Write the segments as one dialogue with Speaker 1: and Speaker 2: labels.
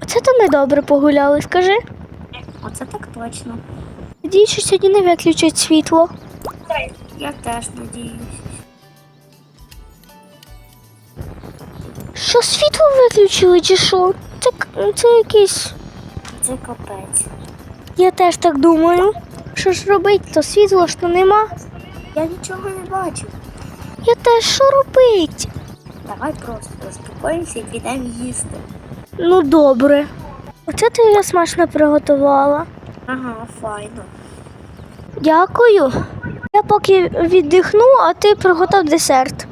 Speaker 1: Оце то ми добре погуляли, скажи.
Speaker 2: Оце так точно.
Speaker 1: Надіюсь, що сьогодні не виключать світло.
Speaker 2: Я теж надіюсь.
Speaker 1: Що, світло виключили чи що? Це якийсь...
Speaker 2: Це капець.
Speaker 1: Я теж так думаю. Що ж робить, то світла ж то нема.
Speaker 2: Я нічого не бачу.
Speaker 1: Я теж, що робить?
Speaker 2: Давай просто заспокоїмося і підемо їсти.
Speaker 1: Ну добре. Оце ти я смачно приготувала.
Speaker 2: Ага, файно.
Speaker 1: Дякую. Я поки віддихну, а ти приготов десерт.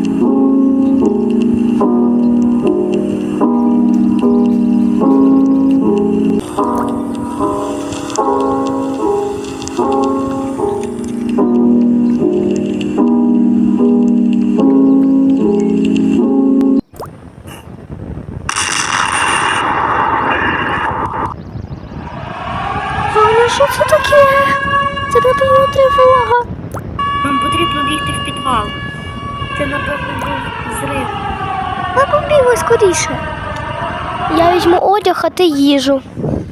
Speaker 1: Ваня, що це таке? Це, напевно, тривога.
Speaker 2: Нам потрібно бігти в підвал. Це, напевно, був зрив.
Speaker 1: Ми побігли скоріше. Я візьму одяг, а ти їжу.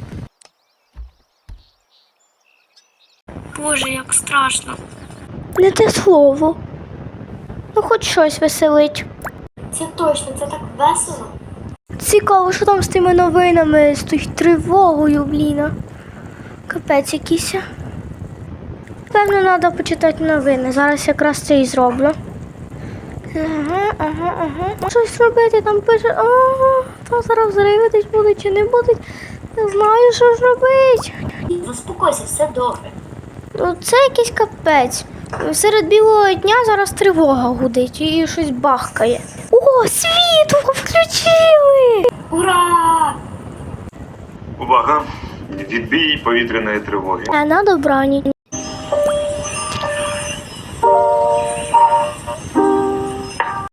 Speaker 2: Боже, як страшно.
Speaker 1: Не те слово. Ну, хоч щось веселить.
Speaker 2: Це точно, це так весело.
Speaker 1: Цікаво, що там з тими новинами, з тою тривогою, блін. Капець якийсь. Певно, треба почитати новини. Зараз якраз це і зроблю. Ага. Щось робити, там пише, там зараз взриви десь будуть чи не будуть. Не знаю, що ж робити.
Speaker 2: Заспокойся, все добре.
Speaker 1: Ну, це якийсь капець. Серед білого дня зараз тривога гудить і щось бахкає. О, світло включили!
Speaker 2: Ура!
Speaker 3: Увага! Відбій повітряної тривоги.
Speaker 1: На добраніч.